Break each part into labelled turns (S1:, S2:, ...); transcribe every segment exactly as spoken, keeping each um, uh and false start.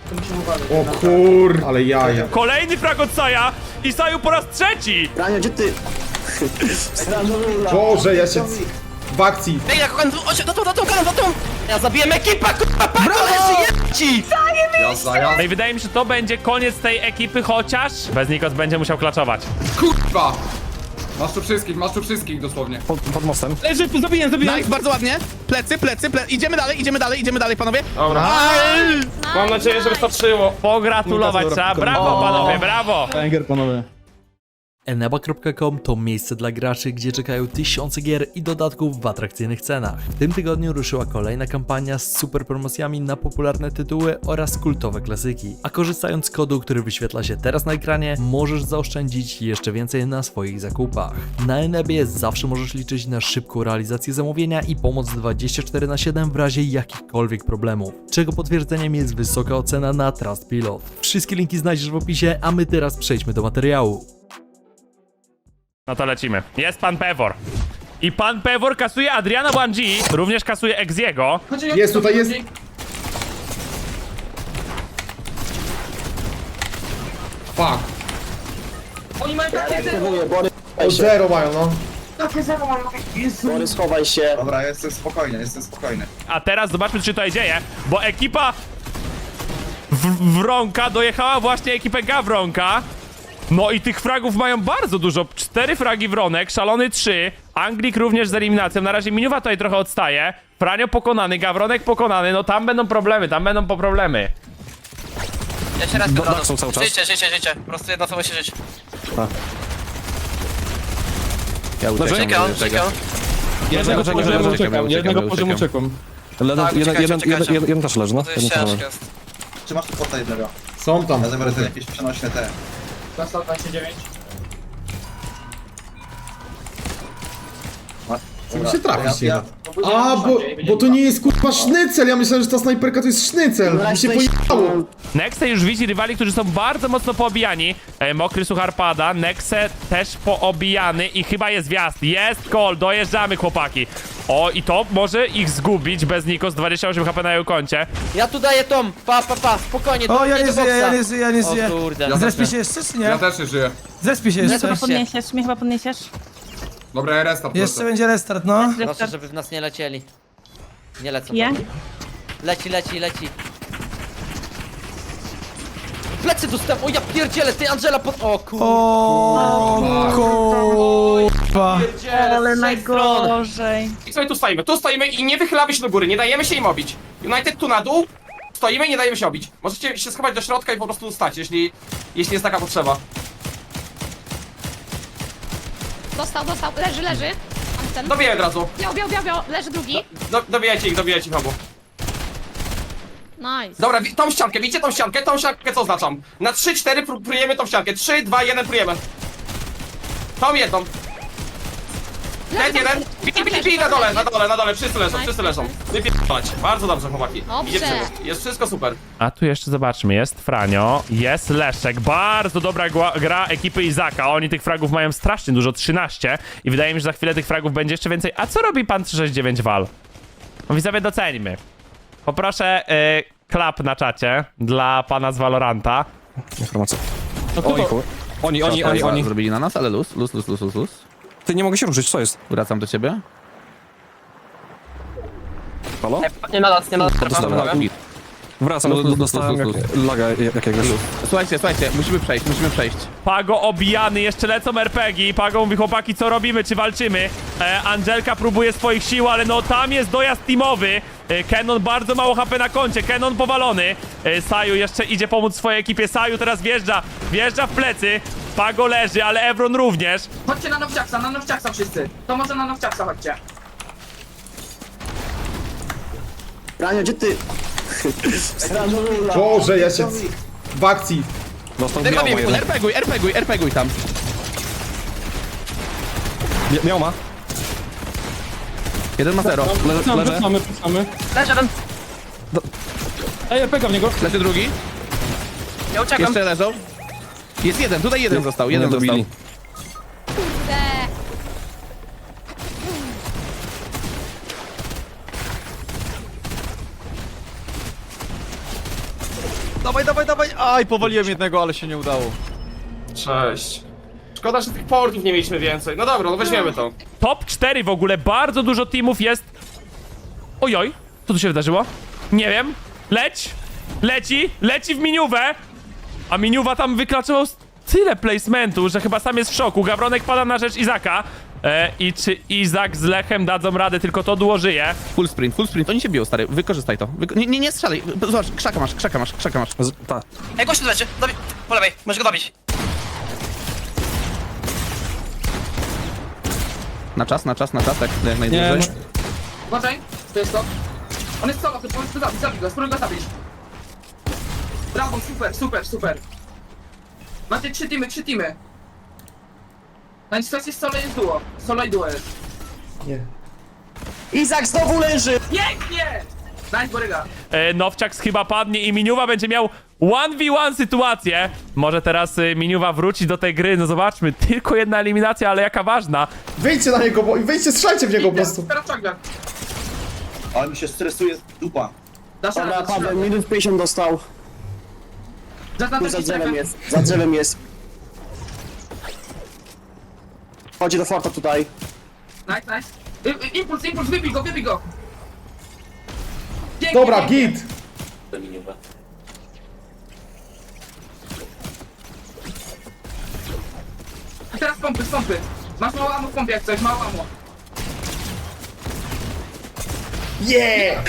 S1: O kur... ale jaja.
S2: Kolejny frag od Saja i Saju po raz trzeci!
S3: Rania, gdzie ty?
S1: Boże, ja się... W akcji.
S3: Ej, jak on... Ocie, za tą, za tą, za tą! Ja zabiłem ekipę, kurwa, Pago, leży, jedź!
S4: Jazda, jazda.
S2: No i wydaje mi się, że to będzie koniec tej ekipy, chociaż bez Nikos będzie musiał klaczować.
S4: Kurwa! Masz tu wszystkich, masz tu wszystkich dosłownie.
S5: Pod, pod mostem.
S6: Leży, zabiję, zabiję.
S7: Nice, bardzo ładnie. Plecy, plecy, plecy. Idziemy dalej, idziemy dalej, idziemy dalej, panowie.
S6: Dobra. Mam nadzieję, że wystarczyło.
S2: Pogratulować trzeba, brawo panowie, brawo!
S5: Banger, panowie.
S8: eneba kropka com to miejsce dla graczy, gdzie czekają tysiące gier i dodatków w atrakcyjnych cenach. W tym tygodniu ruszyła kolejna kampania z super promocjami na popularne tytuły oraz kultowe klasyki. A korzystając z kodu, który wyświetla się teraz na ekranie, możesz zaoszczędzić jeszcze więcej na swoich zakupach. Na Enebie zawsze możesz liczyć na szybką realizację zamówienia i pomoc dwadzieścia cztery na siedem w razie jakichkolwiek problemów, czego potwierdzeniem jest wysoka ocena na Trustpilot. Wszystkie linki znajdziesz w opisie, a my teraz przejdźmy do materiału.
S2: No to lecimy. Jest pan Pewor. I pan Pewor kasuje Adriana Wanji, również kasuje Exiego.
S1: Jest tutaj, jest.
S4: Fuck.
S6: Oni mają takie
S3: Mówię, Bory,
S1: O zero mają, no.
S3: Bory, schowaj się.
S9: Dobra, jestem spokojny, jestem spokojny.
S2: A teraz zobaczmy, co się tutaj dzieje, bo ekipa w Wronka dojechała właśnie ekipę Gawronka. No i tych fragów mają bardzo dużo. Cztery fragi Wronek, Szalony trzy, Anglik również z eliminacją. Na razie Minuwa tutaj trochę odstaje. Franio pokonany, Gawronek pokonany. No tam będą problemy, tam będą po problemy.
S3: Ja się raz
S5: Do, tak są cały czas.
S3: Życie, życie, życie. Po prostu jedna osoba się żyć.
S4: Ja uciekam.
S3: Czekam, czekam.
S6: Jednego
S5: Czekam,
S6: poziomu
S5: czekam,
S6: uciekam,
S4: uciekam,
S6: jednego
S4: uciekam.
S6: poziomu uciekam.
S5: Jeden,
S3: Tak,
S5: jeden,
S3: czekajcie,
S5: jeden,
S3: czekajcie.
S5: jeden, jeden też leży, no.
S3: To
S5: Jeden
S3: jest
S5: też leży.
S3: ciężko jest.
S9: Czy masz tu porta jednego?
S1: Są tam.
S9: Ja zabiorę te jakieś przenośne te.
S6: Dostał dwadzieścia dziewięć.
S1: Żeby się trafić,
S9: ja,
S1: nie da. A, bo, bo to nie jest kurwa sznycel. Ja myślałem, że ta snajperka to jest sznycel. Mi się pojechało.
S2: Nexe już widzi rywali, którzy są bardzo mocno poobijani. E, mokry suchar pada, Nexe też poobijany i chyba jest wjazd. Jest call, dojeżdżamy chłopaki. O, i to może ich zgubić bez Nikos, dwadzieścia osiem HP na jego koncie.
S3: Ja tu daję Tom, pa, pa, pa, spokojnie.
S10: O, ja
S3: do
S10: nie żyję,
S3: boksa.
S10: ja nie żyję, ja nie
S3: O
S10: żyję.
S3: kurde.
S4: Ja
S10: Zrespię
S4: też
S10: się
S4: nie.
S10: jeszcze, czy nie?
S4: Ja też nie żyję.
S10: Zrespię się
S11: Mnie
S10: jeszcze.
S11: chyba podniesiesz, mnie chyba podniesiesz.
S4: Dobra, ja restart
S10: Jeszcze
S4: proszę.
S10: będzie restart, no.
S3: Proszę, żeby w nas nie lecieli. Nie lecą.
S11: Je?
S3: Leci, leci, leci. Plecy dostęp, o ja pierdzielę, ty Angela pod... O kurde.
S10: O, kurwa.
S3: Pierdzielę,
S11: Ale
S3: z trzech stron.
S11: najgorzej.
S6: I sobie tu stoimy, tu stoimy i nie wychylamy się do góry, nie dajemy się im obić. United tu na dół, stoimy i nie dajemy się obić. Możecie się schować do środka i po prostu stać, jeśli, jeśli jest taka potrzeba.
S11: Dostał, dostał, leży, leży. Mam ten.
S6: Dobiję od razu.
S11: Biał, biał, biał, biał, leży drugi.
S6: Do, dobijajcie ich, dobijajcie ich obu.
S11: Nice.
S6: Dobra, wi- tą ściankę, widzicie tą ściankę? Tą ściankę co oznaczam? Na trzy cztery pró- prójemy tą ściankę. trzy, dwa, jeden prójemy. Tą jedną. Ten jeden. Bij, bij, bij na dole, na dole, na dole. Wszyscy leżą, wszyscy leżą. Wypierdolać. Bardzo dobrze, chłopaki.
S11: Dobrze.
S6: Idzie przebieg. Jest wszystko super.
S2: A tu jeszcze zobaczmy, jest Franio, jest Leszek, bardzo dobra gła- gra ekipy Izaka, oni tych fragów mają strasznie dużo, trzynaście i wydaje mi się, że za chwilę tych fragów będzie jeszcze więcej. A co robi pan trzysta sześćdziesiąt dziewięć Wal? No widzowie, doceńmy. Poproszę y, klap na czacie dla pana z Valoranta.
S5: Informacja. Oni, chuj. Oni, oni, oni, oni.
S4: Zrobili na nas, ale luz, luz, luz, luz, luz, luz.
S5: Ty, nie mogę się ruszyć, co jest?
S4: Wracam do ciebie.
S5: Halo?
S3: Nie ma nas, nie ma nas.
S5: Dostałem. Wracam,
S4: Luz, luz,
S5: dostałem
S4: luz, luz,
S5: jak, laga jakiegoś.
S4: Słuchajcie, słuchajcie, musimy przejść, musimy przejść.
S2: Pago obijany, jeszcze lecą er pe gie. Pago mówi, chłopaki, co robimy, czy walczymy? E, Angelka próbuje swoich sił, ale no tam jest dojazd teamowy. E, Kenon bardzo mało ha pe na koncie, Kenon powalony. E, Saju jeszcze idzie pomóc swojej ekipie. Saju teraz wjeżdża, wjeżdża w plecy. Pago leży, ale Evron również.
S6: Chodźcie na nowciaksa, na nowciaksa wszyscy. To może na nowciaksa chodźcie.
S3: Rania, gdzie ty?
S1: Boże, ja się... W akcji.
S5: Dostał
S4: Ty
S5: miał ma
S4: robię,
S5: jeden.
S4: RPGuj, RPGuj, RPGuj tam.
S5: Mia- Miał ma.
S4: Jeden ma zero.
S5: Le, leży.
S6: Wracamy, wracamy.
S3: Leży jeden.
S6: Ej, pega w niego.
S4: Leży drugi.
S3: Ja uciekam.
S4: Jeszcze leżą. Jest jeden, tutaj jeden został, jeden
S5: Nie
S4: został.
S5: dobili.
S11: Kurde.
S5: Dawaj, dawaj, dawaj! Aj, powaliłem jednego, ale się nie udało.
S6: Cześć. Szkoda, że tych portów nie mieliśmy więcej. No dobra, no weźmiemy to.
S2: Top cztery w ogóle, bardzo dużo teamów jest. Ojoj, co tu się wydarzyło? Nie wiem. Leć, leci, leci w miniówę. A miniuwa tam wyklaczyło tyle placementu, że chyba sam jest w szoku. Gawronek pada na rzecz Izaka. E, I czy Izak z Lechem dadzą radę, tylko to duo żyje.
S7: Full sprint, full sprint, oni się biją, stary, wykorzystaj to. Wyko nie, nie, nie strzelaj, zobacz, krzaka masz, krzaka masz, krzaka masz.
S5: Ta.
S3: Ej, gościu leży, dobi... po lewej, możesz go dobić.
S7: Na czas, na czas, na czas, tak jak najdłużej.
S4: Uważaj, to jest to. On jest solo, to powiedz to zabić, zabij go, spróbuj go zabić. Brawo, super, super, super. Macie trzy teamy, trzy teamy. Na sytuacji solo jest duo. Solo i duo jest.
S3: Izak znowu leży!
S4: Pięknie! Nice, Boryga.
S2: E, Nowciaks chyba padnie i Miniuwa będzie miał jeden na jeden sytuację. Może teraz e, Miniuwa wróci do tej gry, no zobaczmy. Tylko jedna eliminacja, ale jaka ważna.
S1: Wyjdźcie na niego, bo wyjdźcie, strzelajcie w niego po prostu.
S4: Teraz czagla.
S9: Ale mi się stresuje dupa.
S4: Dasz radę, dasz radę.
S3: minut pięćdziesiąt dostał.
S4: Zaznacz
S3: Za
S4: jakiś
S3: drzewem
S4: czekam.
S3: jest, za drzewem jest. Chodzi do forta tutaj.
S4: Nice, nice. Y, y, impuls, impuls, wybij go, wybij go. Pięknie,
S1: Dobra,
S4: pięknie.
S1: git.
S4: A teraz pompy, pompy. Masz mało ammo w pompie jak coś, mało ammo.
S1: Yeah!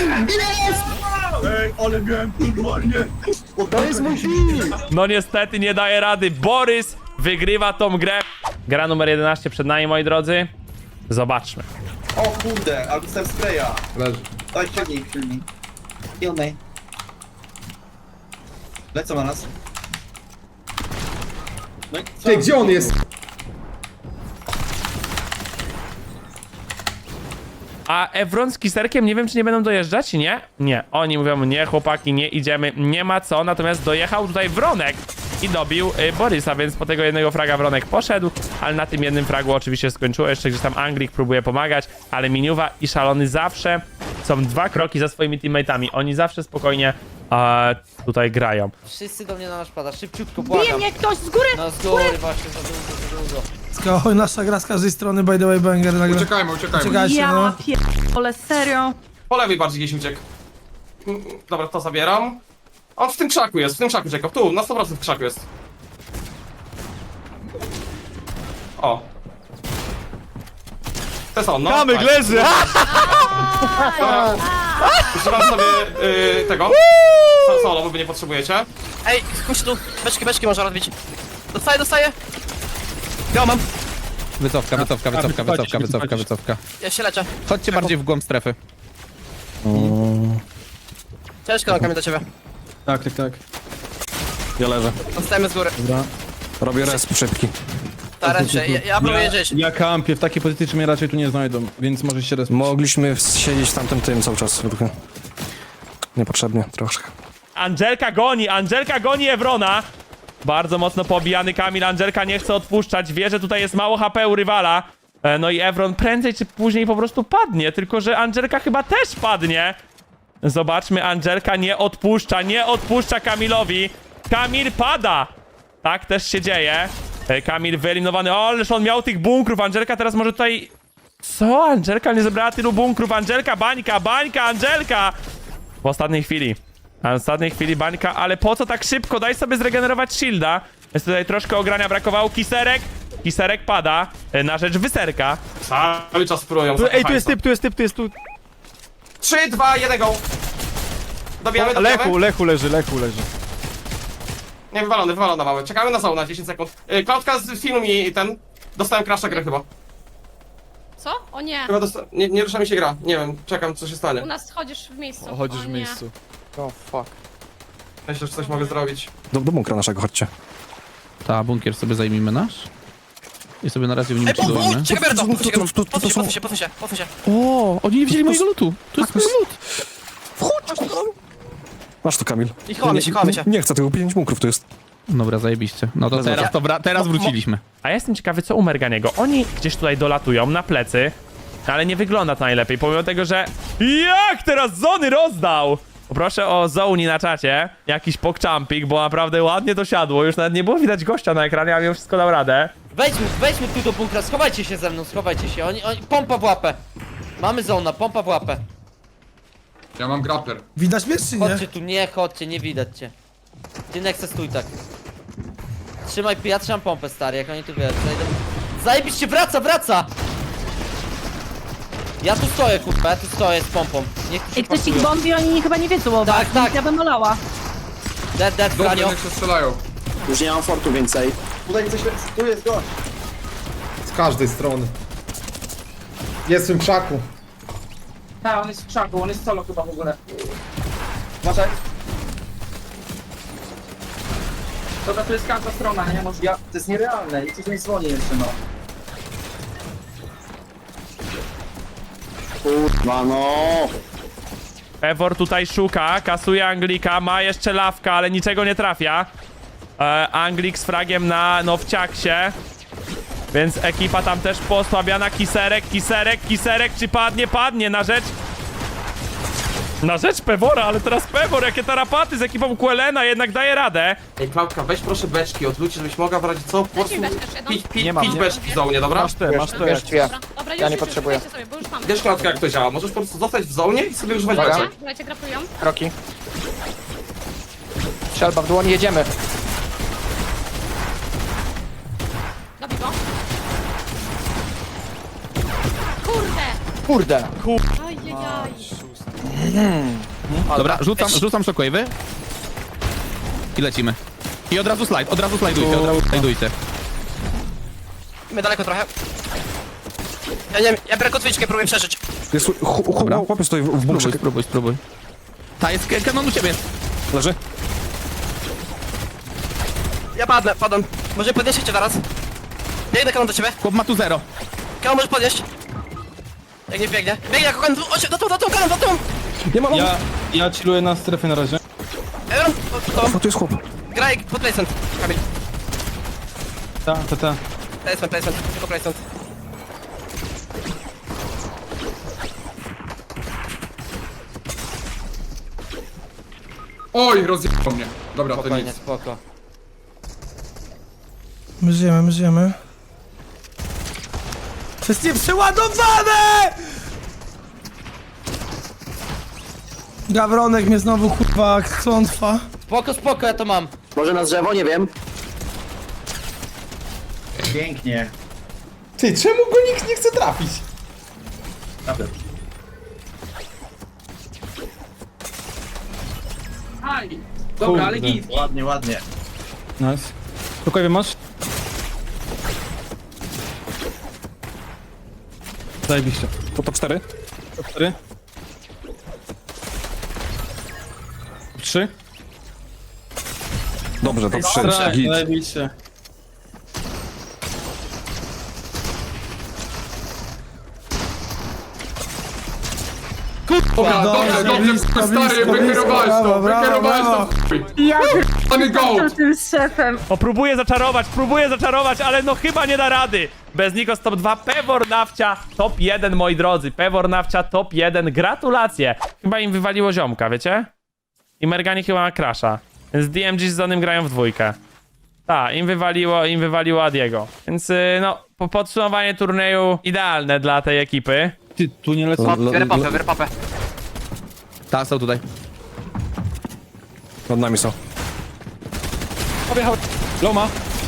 S3: To jest mój film!
S2: No niestety nie daje rady. Borys wygrywa tą grę. Gra numer jedenaście przed nami, moi drodzy. Zobaczmy.
S9: O kurde, ale dostałem spraya.
S4: Leży.
S9: Daj, ciągnij, filmik. Kill me. Lecą na nas. No i co?
S1: Ty, gdzie on jest?
S2: A Evron z Kiserkiem nie wiem, czy nie będą dojeżdżać, nie? Nie. Oni mówią, nie, chłopaki, nie idziemy, nie ma co. Natomiast dojechał tutaj Wronek i dobił y, Borysa, więc po tego jednego fraga Wronek poszedł, ale na tym jednym fragu oczywiście skończyło. Jeszcze gdzieś tam Anglik próbuje pomagać, ale Miniuwa i Szalony zawsze są dwa kroki za swoimi teammateami. Oni zawsze spokojnie e, tutaj grają.
S3: Wszyscy do mnie na nasz pada, szybciutko,
S11: Bije
S3: błagam.
S11: mnie ktoś z góry!
S3: No z góry właśnie, za długo, za długo.
S10: Oj, nasza gra z każdej strony, by the way, banger nagle.
S4: Uciekajmy, uciekajmy.
S10: Czekajcie, no.
S11: Ja pierdolę, serio.
S6: Po lewej bardziej gdzieś uciekł. Mm, Dobra, to zabieram. On w tym krzaku jest, w tym krzaku uciekał. Tu, na sto procent w krzaku jest. O. To jest on, no.
S5: Kamyk
S6: Tak.
S5: leży!
S6: Dobra. Używam sobie y, tego. So- Solo, bo wy nie potrzebujecie.
S3: Ej, chodź tu, beczki, beczki można rozbić. Dostaję, dostaję. Ja mam,
S7: Wycofka, wycofka, wycofka, wycofka, wycofka, wycofka.
S3: ja się leczę.
S7: Chodźcie bardziej w głąb strefy.
S3: Ciężko nogami do ciebie.
S5: Tak, tak, tak. Ja leżę.
S3: Dostajemy z góry.
S5: Robię resp szybki.
S3: Ta ręce, ja, ja próbuję żyć.
S5: Ja kampię, w takiej pozycji czy mnie raczej tu nie znajdą, więc możesz się resp. Mogliśmy siedzieć w tamtym tym cały czas. Trochę. Niepotrzebnie, troszkę.
S2: Angelka goni, Angelka goni Evrona. Bardzo mocno pobijany Kamil, Angelka nie chce odpuszczać, wie, że tutaj jest mało H P u rywala. E, No i Evron prędzej czy później po prostu padnie, tylko że Angelka chyba też padnie. Zobaczmy, Angelka nie odpuszcza, nie odpuszcza Kamilowi. Kamil pada! Tak też się dzieje. E, Kamil wyeliminowany, o, ależ on miał tych bunkrów, Angelka teraz może tutaj... Co? Angelka nie zebrała tylu bunkrów, Angelka, bańka, bańka, Angelka! W ostatniej chwili. A w ostatniej chwili bańka, ale po co tak szybko? Daj sobie zregenerować shielda. Jest tutaj troszkę ogrania brakowało. Kiserek. Kiserek pada e, na rzecz Wyserka.
S6: Cały czas próbują.
S5: Ej, tu jest typ, tu jest typ, tu jest tu.
S6: trzy, dwa, jeden, go. Dobijamy, dobijamy.
S5: Lechu, Lechu leży, Lechu leży.
S6: Nie, wywalony, wywalony mamy. Czekamy na sauna, dziesięć sekund. Yy, Klautka z filmu mi ten... Dostałem crasha gry chyba.
S11: Co? O nie.
S6: Chyba dosta... nie, nie rusza mi się gra. Nie wiem, czekam co się stanie.
S11: U nas chodzisz w miejscu.
S5: Chodzisz
S11: O
S5: w
S11: nie.
S5: miejscu.
S3: Oh fuck.
S6: Myślę, że coś mogę zrobić.
S5: Do, do bunkra naszego, chodźcie.
S7: Ta, bunkier sobie zajmijmy nasz. I sobie na razie w nim
S3: Ej, po,
S7: przygotujemy.
S3: po, czekaj, Berto,
S5: tu, tu, tu, tu, tu
S3: posuń
S5: są-
S3: się, posuń się, posuń się.
S7: O, oni nie wzięli mojego lutu. To jest mój lut.
S5: Masz tu, Kamil.
S3: I chowamy się, chowamy się.
S5: Nie chcę tego, pięć bunkrów to jest.
S7: Dobra, zajebiście. No to teraz, to wra- teraz wróciliśmy.
S2: A ja jestem ciekawy, co u Merganiego. Oni gdzieś tutaj dolatują na plecy, ale nie wygląda to najlepiej, pomimo tego, że... Jak teraz Zony rozdał! Poproszę o Zoni na czacie, jakiś pokczampik, bo naprawdę ładnie to siadło. Już nawet nie było widać gościa na ekranie, a mimo wszystko dał radę.
S3: Wejdźmy, wejdźmy tu do bunkra, schowajcie się ze mną, schowajcie się. Oni, oni, pompa w łapę. Mamy zona, pompa w łapę.
S4: Ja mam grappler.
S10: Widać mnie czy nie?
S3: Chodźcie tu, nie chodźcie, nie widać cię. Ty Nexe stój tak. Trzymaj, ja trzymam pompę stary, jak oni tu wiesz, zajdę. Zajebiście, wraca, wraca! Ja tu stoję, kurwa, ja tu stoję z pompą. Niech tu się
S11: I ktoś ich
S3: pasują.
S11: bombi, oni chyba nie wiedzą o was.
S3: Tak, tak.
S11: Ja bym olała.
S3: Dead, dead, Franio.
S4: niech się strzelają.
S9: Już nie mam fortu więcej. Tutaj coś, tu jest gość.
S1: Z każdej strony. Jest w tym krzaku.
S4: Tak, on jest w krzaku, on jest solo chyba w ogóle.
S9: Uważaj.
S4: Dobra, to jest każda strona, nie? Może...
S9: Ja, to jest nierealne i coś mi dzwoni jeszcze, no. Kurwa, no.
S2: Pewor tutaj szuka, kasuje Anglika, ma jeszcze lawka, ale niczego nie trafia. E, Anglik z fragiem na Nowciaksie. Więc ekipa tam też posłabiana. Kiserek, Kiserek, Kiserek, czy padnie? Padnie na rzecz... Na rzecz Pewora, ale teraz Pewor, jakie tarapaty z ekipą Quelena, jednak daje radę.
S6: Ej, Klauka, weź proszę beczki od ludzi, żebyś mogła brać co? Po prostu
S11: beczkę jeszcze jedną?
S6: pić, pić,
S7: Nie mam,
S6: pić
S7: nie.
S6: beczki w zonie, dobra?
S7: Masz ty, masz ty.
S11: Dobra, dobra, już,
S6: Ja nie
S11: już,
S6: potrzebuję.
S11: już, sobie, bo już mamy.
S6: Wiesz, Klauka, jak to działa, możesz po prostu zostać w zonie i sobie używać
S11: Dobra,
S6: beczek.
S11: słuchajcie, grapują.
S3: Roki. Strzelba w dłoni, jedziemy.
S11: Dobij go. Kurde!
S3: Kurde.
S11: Ajajaj.
S7: Dobra, rzucam, rzucam shockwave'y. I lecimy. I od razu slajd, od razu slajdujcie, od razu slajdujcie.
S3: My daleko trochę. Ja nie wiem, ja biorę kotwiczkę, próbuję przeżyć.
S5: Jest, hu, hu,
S7: Dobra.
S5: chłopiec stoi w, w bunkrze.
S7: Spróbuj, spróbuj, spróbuj. Ta jest k- kanon u ciebie.
S5: Leży.
S3: Ja padnę, padam. Może podnieść cię teraz? Biegnę kanon do ciebie.
S7: Chłop ma tu zero.
S3: Kanon może podnieść. Jak nie biegnie. Biegnie jako kanon, do tą, do tą, kanon, do tą!
S5: Nie ma.
S10: Ja, ja chilluję na strefie na razie.
S3: Aaron, do tą.
S5: O, tu jest chłop.
S3: Graj, pod placement. Kamil.
S10: Ta, ta, ta.
S3: Placement, placement, tylko placement.
S4: Oj, rozjechał mnie. Dobra, to
S3: Spokojnie,
S4: nic.
S3: spoko.
S10: My żyjemy, my żyjemy. To jest nieprzeładowane! Gawronek mnie znowu kurwa klątwa.
S3: Spoko, spoko, ja to mam.
S9: Może na drzewo, nie wiem. Pięknie.
S1: Ty, czemu go nikt nie chce trafić?
S9: Naprawdę.
S4: Aj! Dobra, ale git.
S9: Ładnie, ładnie.
S10: Nice. Spokojnie masz? Zajebiście.
S5: To top cztery.
S10: Cztery. Trzy.
S5: Dobrze, top trzy.
S10: Tak,
S5: Git.
S10: zajebiście.
S4: Dobra, dobrze, dobrze, stary, wykierowałeś to, wykierowałeś to.
S11: Ja
S4: Mamy gold!
S11: tym szefem.
S2: O, próbuję zaczarować, próbuję zaczarować, ale no chyba nie da rady. Bez Nikos top dwa, Pewor Nawcia top jeden, moi drodzy. Pewor Nawcia top jeden, gratulacje. Chyba im wywaliło ziomka, wiecie? I Mergani chyba ma crasha. Więc D M G z Zonym grają w dwójkę. Tak, im wywaliło, im wywaliło Adiego. Więc y, no, po podsumowanie turnieju idealne dla tej ekipy.
S10: Ty, tu nie lecą.
S5: L-
S3: Biorę
S5: l-
S3: papę, biorę papę.
S7: Ta, są tutaj.
S5: Nad nami są.
S10: Objechał. Loma.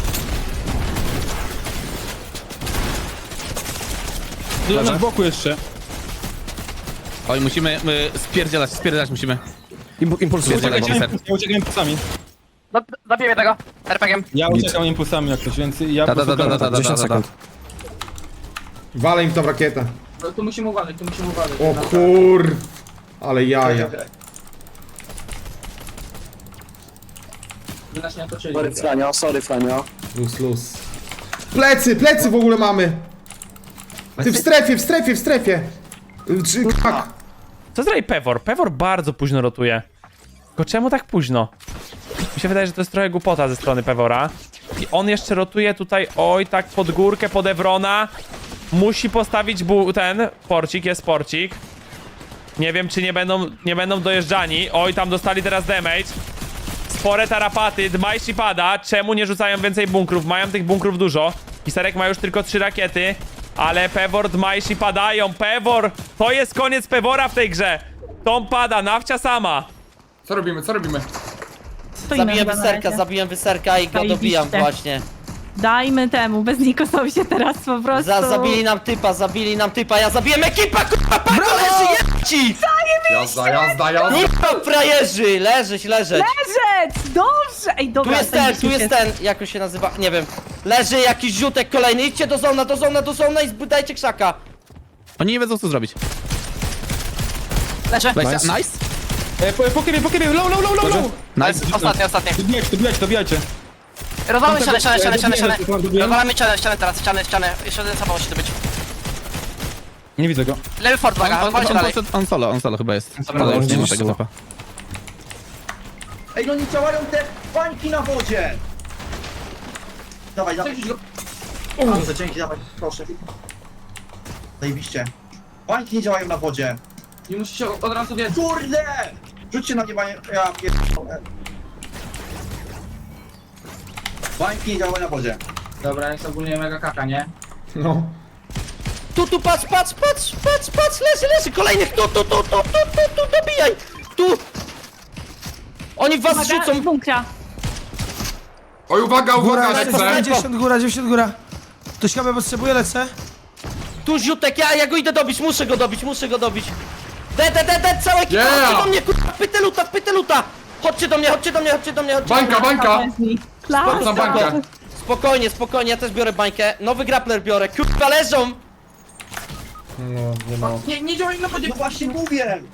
S10: Leży z boku jeszcze.
S7: Oj, musimy y, spierdzielać, spierdzielać musimy.
S5: Im, impuls jest.
S7: Uciekaj,
S5: dobra.
S7: Ciser.
S10: Ja uciekam impulsami.
S3: Zabijemy tego. er pe gie em.
S10: Ja uciekam impulsami jak coś, więc ja
S7: Ta,
S10: po
S7: ta, ta,
S10: prostu
S7: ta, ta, ta,
S5: dziesięć
S7: ta, ta.
S5: sekund.
S1: Walę im tą rakietę.
S4: No, tu musimy uważać, tu musimy uważać.
S1: O kur... Ale jaja.
S4: By nas nie otoczyli.
S9: Sorry, Franio, sorry, Franio.
S1: Luz, luz. Plecy, plecy w ogóle mamy! Ty w strefie, w strefie, w strefie! Czy, tak.
S2: Co zrobi Pewor? Pewor bardzo późno rotuje. Tylko czemu tak późno? Mi się wydaje, że to jest trochę głupota ze strony Pewora. I on jeszcze rotuje tutaj, oj, tak pod górkę, pod Evrona. Musi postawić bu ten porcik, jest porcik. Nie wiem, czy nie będą, nie będą dojeżdżani. Oj, tam dostali teraz damage. Spore tarapaty, Dmajsi pada. Czemu nie rzucają więcej bunkrów? Mają tych bunkrów dużo. Pisarek ma już tylko trzy rakiety. Ale Pewor, Dmajsi padają. Pewor! To jest koniec Pewora w tej grze. Tom pada, Nawcia sama.
S4: Co robimy, co robimy?
S3: Zabiłem wyserka, zabiłem wyserka i go
S11: Zajebiście.
S3: dobijam właśnie.
S11: Dajmy temu, bez Nikosowi się teraz po prostu...
S3: Za, zabili nam typa, zabili nam typa, ja zabiłem ekipę, kurwa, pago, leży, jedź!
S4: Jazda, jazda, jazda.
S3: Kurwa, frajerzy, leżeć, leżeć.
S11: Leżeć! Dobrze! Ej,
S3: Tu
S11: dobra,
S3: jest ten, tu jest ten, jak on się nazywa, nie wiem. Leży jakiś ziutek kolejny, idźcie do zona, do zona, do zona i zbudajcie krzaka.
S7: Oni nie wiedzą co zrobić. Leżę. Nice. nice.
S10: E, po, po kiedy, po kiedy, low, low, low, low, low!
S7: Nice.
S6: Ostatnie, ostatnie.
S10: Dobijajcie, dobijajcie, dobijajcie.
S6: Rozwalamy ścianę, ścianę, ścianę, ścianę, ścianę.
S10: Dobijam.
S6: Rozwalamy ścianę, ścianę teraz, ścianę, ścianę. Jeszcze jeden samochód musi to być.
S10: Nie widzę go.
S6: Lewy fort,
S7: On,
S6: uwaga,
S7: on,
S6: rozwalcie
S7: on,
S6: dalej.
S7: poszedł- on solo, on solo chyba jest.
S6: Dobra,
S7: Ale już nie ma
S5: gdzieś
S7: tego
S5: solo.
S7: topa.
S9: Ej, no nie działają te bańki na wodzie! Dawaj, dawaj. Dobrze, dzięki, dawaj, proszę. Zajebiście. Bańki nie działają na wodzie.
S4: Nie musisz się od razu wiedzieć.
S9: Kurde! Rzućcie na nie bańkę, ja pierdolę. Bańki nie działają na wodzie.
S4: Dobra, jest ogólnie mega kaka, nie?
S1: No.
S3: Tu, tu, patrz, patrz, patrz, patrz, patrz, leży, leży, kolejnych, tu, tu, tu, tu, tu, tu, tu, dobijaj, tu. Oni w was rzucą.
S11: bunkra.
S4: Oj, uwaga, uwaga,
S3: Sniper,
S5: dziewięćdziesiąt góra, dziewięćdziesiąt góra. Ktoś chyba potrzebuje, lecę?
S3: Tu ziutek, ja, ja go idę dobić, muszę go dobić, muszę go dobić. De, de, de, de, całe ekipa,
S4: Yeah!
S3: chodźcie do mnie, kurwa, pyteluta, pyteluta. Chodźcie do mnie, chodźcie do mnie, chodźcie do mnie, chodźcie
S4: Bańka,
S3: do mnie.
S4: bańka!
S11: Klas.
S4: Za bańkę.
S3: Spokojnie, spokojnie, ja też biorę bańkę. Nowy grappler biorę, kurwa, leżą.
S4: Nie, nie działaj na wodzie.
S9: No właśnie mówię!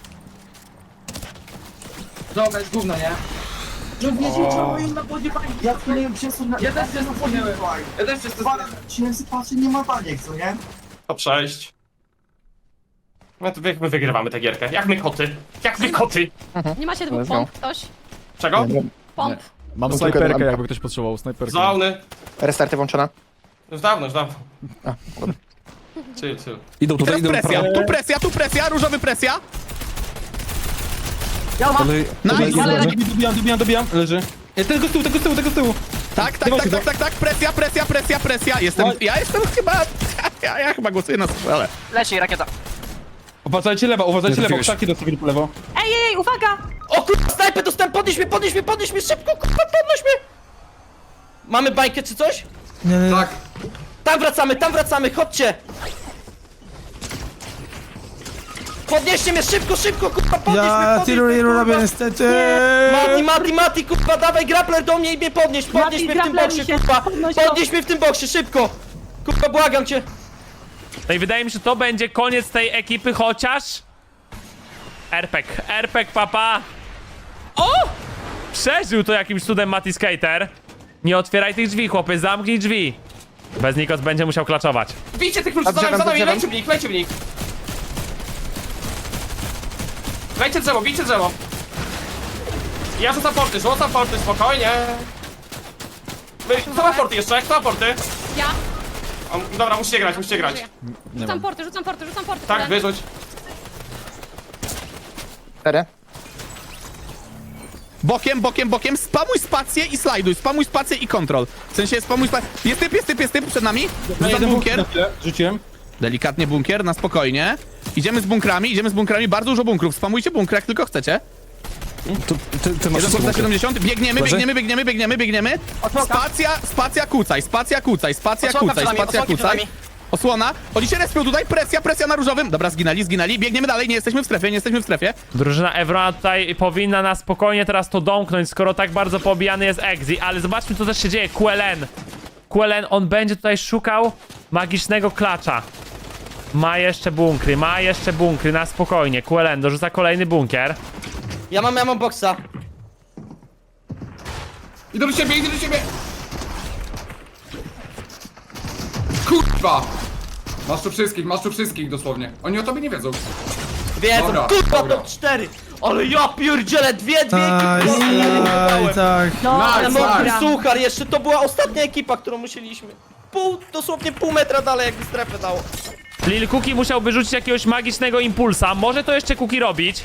S4: Dobra, jest gówno, nie? No nie działają na wodzie bańki.
S9: Ja wpłynąłem przez na...
S4: Ja też się zapomniałem. Ja też się
S9: Dwa razy się patrzę, nie ma baniek, co nie?
S6: To przejść. My, tu- my wygrywamy tę gierkę. Jak my koty. Jak my koty.
S11: Nie macie dwóch pomp, ktoś?
S6: Czego?
S11: Pomp.
S5: Mam snajperkę, jakby ktoś potrzebował, snajperkę.
S6: Zauny.
S9: Restarty włączona.
S6: Już dawno, już dawno. Chill, chill.
S5: Idą
S7: I
S5: tutaj,
S7: teraz
S5: idą
S7: presja, tu presja, tu presja, różowy presja.
S5: Tutaj,
S7: Nice.
S11: Ale-
S10: Dobijam, dobijam, dobijam. Leży. E, tego z tyłu, tego z tyłu, tego z tyłu.
S7: Tak, tak, tak, tak, tak, tak, presja, presja, presja, presja. Jestem, ja jestem chyba, ja, ja chyba głosuję na strzelę.
S6: Leci rakieta.
S10: Uważajcie lewo, uważajcie
S5: Nie
S10: lewo,
S5: trafiłeś.
S10: krzaki dostawili po lewo.
S11: Ej, ej, ej, uwaga!
S3: O kurwa, snajpę dostałem, podnieś mnie, podnieś mnie, podnieś mnie, szybko, kurwa, podnieś mnie. Mamy bańkę czy coś?
S4: Tak.
S3: Tam wracamy, tam wracamy, chodźcie. Podnieście mnie, szybko, szybko, kurwa, podnieś mnie, podnieś mnie, kurwa.
S5: niestety.
S3: Mati, Mati, Mati, kurwa, dawaj grappler do mnie i mnie podnieś, podnieś
S11: Mati,
S3: mnie w tym
S11: grappler
S3: boksie,
S11: mi się
S3: kurwa,
S11: podnosi.
S3: podnieś mnie w tym boksie, szybko. Kurwa, błagam cię.
S2: No i wydaje mi się, że to będzie koniec tej ekipy, chociaż... Erpek, Erpek, papa! O! Przeżył to jakimś cudem Mati Skater. Nie otwieraj tych drzwi, chłopie, zamknij drzwi. Bez Nikos będzie musiał klaczować.
S6: Bijcie tych kluczy, za nami, za nami, lejcie w nich, lejcie w nich. Lejcie drzewo, bijcie drzewo. Ja rzucam porty, rzucam porty, spokojnie. Wy- Kto ma porty jeszcze? Kto ma porty?
S11: Ja.
S6: O, dobra, musicie grać, musicie grać.
S11: Rzucam porty, rzucam porty, rzucam porty.
S6: Tak,
S11: Tyle.
S6: wyrzuć.
S7: Bokiem, bokiem, bokiem, spamuj spację i slajduj, spamuj spację i kontrol. W sensie spamuj spację. Jest typ, jest typ, jest typ przed nami. Rzucam bunkier.
S10: Na chwilę, rzuciłem.
S7: Delikatnie bunkier, na spokojnie. Idziemy z bunkrami, idziemy z bunkrami, bardzo dużo bunkrów. Spamujcie bunkry jak tylko chcecie.
S5: Ty, ty masz
S7: Jeden za siedemdziesiąt, biegniemy,
S5: Leży?
S7: biegniemy, biegniemy, biegniemy, biegniemy. Spacja, spacja kucaj, spacja kucaj, spacja
S6: Osłonka
S7: kucaj,
S6: przed nami,
S7: spacja
S6: osłonki przed
S7: kucaj.
S6: nami.
S7: Osłona. Oni się respią tutaj, presja, presja na różowym. Dobra, zginęli, zginęli. Biegniemy dalej, nie jesteśmy w strefie, nie jesteśmy w strefie.
S2: Drużyna Evrona tutaj powinna na spokojnie teraz to domknąć, skoro tak bardzo pobijany jest Exi, ale zobaczmy, co też się dzieje. Q L N. Q L N, on będzie tutaj szukał magicznego klacza. Ma jeszcze bunkry, ma jeszcze bunkry, na spokojnie. Q L N dorzuca kolejny bunkier.
S3: Ja mam, ja mam boksa.
S4: Idę do ciebie, idę do ciebie! Kurwa! Masz tu wszystkich, masz tu wszystkich dosłownie. Oni o tobie nie wiedzą.
S3: Wiedzą,
S4: Dobra,
S3: kurwa,
S4: dobra.
S3: to cztery. Ale ja pierdzielę, dwie, dwie ekipy.
S5: tak.
S3: Ale
S4: Nice,
S3: mokry
S4: nice.
S3: suchar, jeszcze to była ostatnia ekipa, którą musieliśmy. Pół, dosłownie pół metra dalej, jakby strefę dało.
S2: Lil Cookie musiałby rzucić jakiegoś magicznego impulsa. Może to jeszcze Cookie robić.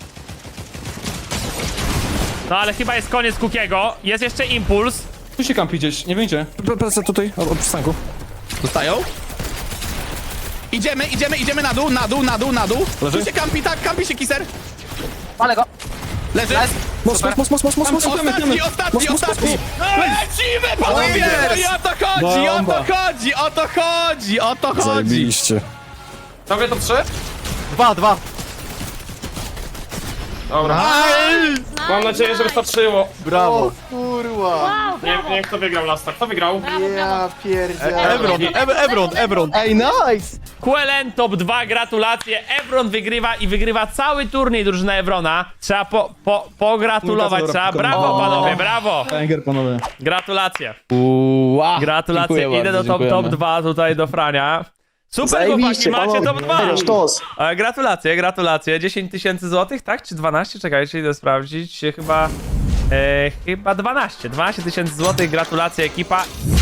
S2: No ale chyba jest koniec Cookiego. Jest jeszcze impuls.
S10: Tu się kampi gdzieś, nie wyjdzie.
S5: Plecy tutaj, od, od przystanku.
S7: Dostają. Idziemy, idziemy, idziemy na dół, na dół, na dół, na dół.
S5: Leży?
S7: Tu się kampi, tak, kampi się kiser.
S6: Ale go.
S7: Leży.
S5: Mos, mos, mos, mos, mos, mos, mos.
S7: Ostatni, ostatni, ostatni! Lecimy, panowie! No i o to chodzi, o to chodzi, o to chodzi, o to chodzi!
S5: Zajebiście.
S6: Tobie to trzy?
S3: Dwa, dwa.
S6: Dobra. Mam nadzieję, że wystarczyło.
S3: Brawo.
S11: Wow,
S6: Nie
S11: brawo.
S6: wiem, kto wygrał lasta. Kto wygrał?
S11: Brawo, brawo.
S3: Ebron, Ebron, Ebron.
S7: Ej, nice!
S2: Q L N top dwa, gratulacje. Ebron wygrywa i wygrywa cały turniej drużyna Ebrona. Trzeba po, po, pogratulować, trzeba. Brawo panowie, brawo.
S10: Banger, panowie.
S2: Gratulacje.
S7: Uła.
S2: Gratulacje.
S7: Dziękuję
S2: Idę
S7: bardzo,
S2: do top, top
S7: dziękujemy.
S2: dwa tutaj do Frania. Super chłopaki, macie top dwa. E, Gratulacje, gratulacje. dziesięć tysięcy złotych, tak? Czy dwanaście? Czekajcie, idę sprawdzić. Chyba... E, chyba dwanaście. dwanaście tysięcy złotych, gratulacje ekipa.